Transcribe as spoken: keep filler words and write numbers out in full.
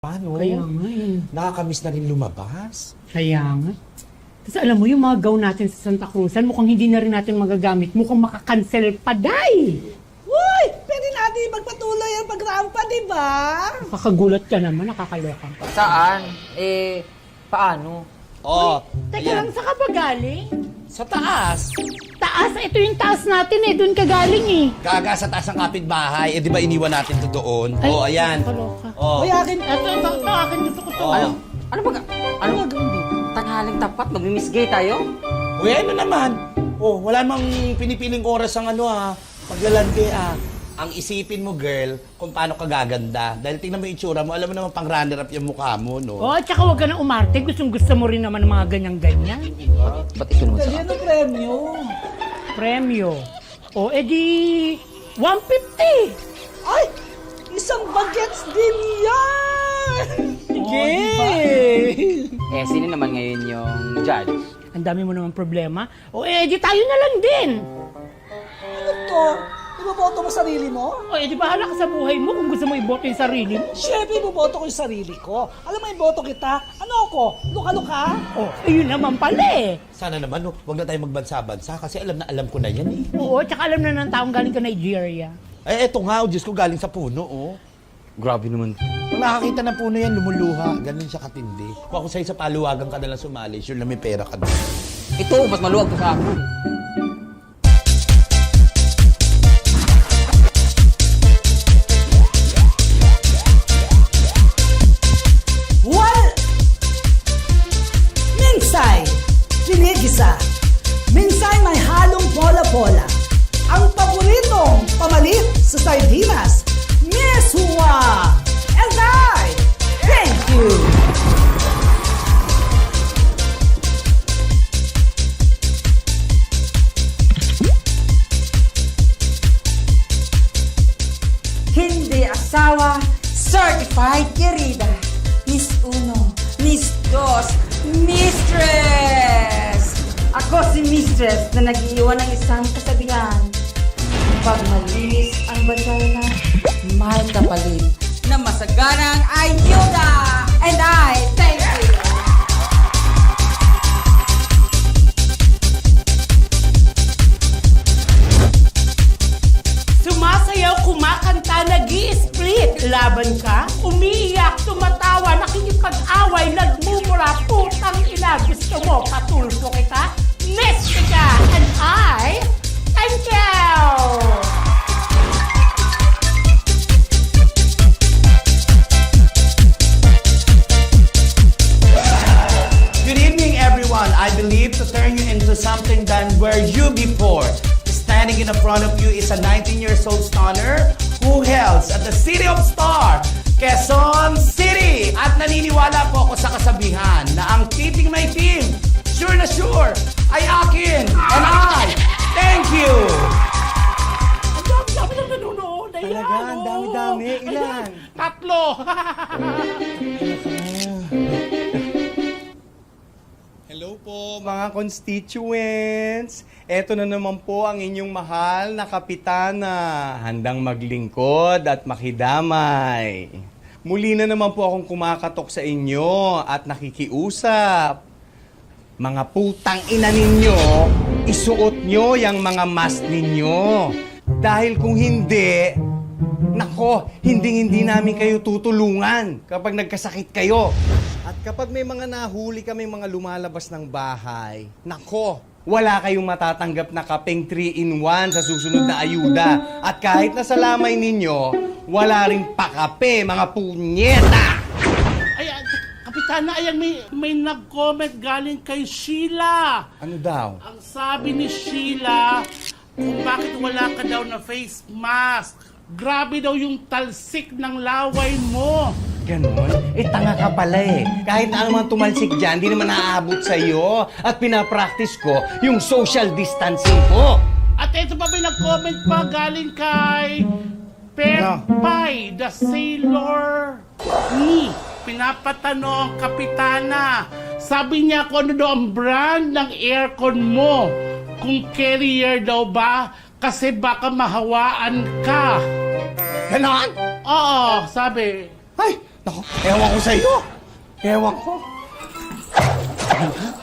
Paano? Kaya nga eh. Nakakamiss na rin lumabas. Kaya nga. Tapos alam mo, yung mga gown natin sa Santa Cruzan, mukhang hindi na rin natin magagamit. Mukhang makakancel pa, day! Uy! Pwede natin magpatuloy ang pagrampa, di ba? Kakagulat ka naman, nakakaloka pa. Saan? Eh, paano? Oh, Teka lang, saan ka ba galing? sa taas. Taas? Ito yung taas natin eh. Doon ka galing eh. Gaga sa taas ng kapitbahay. Eh, di ba iniwan natin to doon? Ay, oh, ayan. nakakaloka. Oh. Uy, akin. Ito, ito, ito, akin gusto ko to. Oh. Ano? Ano ba? Ano gagawin dito? Tanghaling tapat, magmimisgay tayo? Uy, ano naman? Oh, wala mang pinipiling oras ang ano ah. Paglalandi ah. Ang isipin mo, girl, kung paano ka gaganda. Dahil tingnan mo yung itsura mo, alam mo naman pang runner-up yung mukha mo, no? Oh, tsaka huwag ka na umarte. Gustong gusto mo rin naman ng mga ganyan-ganyan. Ba't ikaw naman Dali sa... ano premyo? Premyo. O, edi, one fifty. Ay! Isang bagets din yan! Sige! Eh, sino naman ngayon yung judge? Ang dami mo naman problema. O, edi tayo na lang din. Ano to? Iboboto mo sarili mo? O, edi bahala ka sa buhay mo kung gusto mo iboto yung sarili mo. Siyempre, iboboto ko yung sarili ko. Alam mo, iboto kita. Ano ako? Luka-luka? O, ayun naman pala eh. Sana naman, no, huwag na tayo magbansa-bansa kasi alam na alam ko na yan eh. Oo, tsaka alam na ng taong galing ka Nigeria. Eh, eto nga, oh, Diyos ko, galing sa puno, oh. Grabe naman. Pag nakakita ng puno yan, lumuluha. Ganun siya katindi. Kung ako sa'yo sa paluwagan ka nalang sumali, sure na may pera ka doon. Ito, mas maluwag pa sa akin. Wal! Minsay! Pinigisa! Minsay may halong pola-pola. Ang paboritong pamalit sa sardinas, Miss Hua! And I, thank you! Hindi asawa, certified querida. Miss Uno, Miss Dos, Mistress! Ako si Mistress na nag-iwan ng isang kasabihan. Pag malinis ang bansaina, may kapalit na masaganang ayuda! And I thank you! Sumasayaw, kumakanta, nag-i-split. Laban ka, umiiyak, tumatawa, nakikipag-away, nagmumura, putang ina. Gusto mo, patulpo kita? Mystica! And I, thank you! Good evening, everyone. I believe to turn you into something than were you before. Standing in the front of you is a nineteen years old stunner who hails at the City of Star, Quezon City. At naniniwala po ako sa kasabihan na ang titing may team, sure na sure, ay akin. And I, thank you. Ang dami-dami na nanonood. Ayan, Talaga, ang oh. dami-dami. Ilan? Tatlo. Hello po mga constituents! Eto na naman po ang inyong mahal na kapitana, handang maglingkod at makidamay. Muli na naman po akong kumakatok sa inyo at nakikiusap. Mga putang ina ninyo, isuot nyo yung mga mask ninyo. Dahil kung hindi, nako, hindi-hindi namin kayo tutulungan kapag nagkasakit kayo. At kapag may mga nahuli kami mga lumalabas ng bahay, nako, wala kayong matatanggap na kapeng three in one sa susunod na ayuda. At kahit nasa lamay ninyo, wala ring pakape, mga punyeta! Ayan, Kapitana, ayan, may, may nag-comment galing kay Sheila. Ano daw? Ang sabi ni Sheila, kung bakit wala ka daw na face mask. Grabe daw yung talsik ng laway mo. Ganon? Eh, tanga ka pala eh. Kahit na naman tumalsik dyan, di naman naaabot sa'yo. At pinapractice ko yung social distancing ko. At ito pa, may nag-comment pa galing kay Pepay, the Sailor Ni. Pinapatanong ang kapitana. Sabi niya kung ano daw ang brand ng aircon mo. Kung Carrier daw ba? Kasi baka mahawaan ka. Ganon? Oo, sabi. Ay, Naku, ewan ko sa'yo. Ewan ko.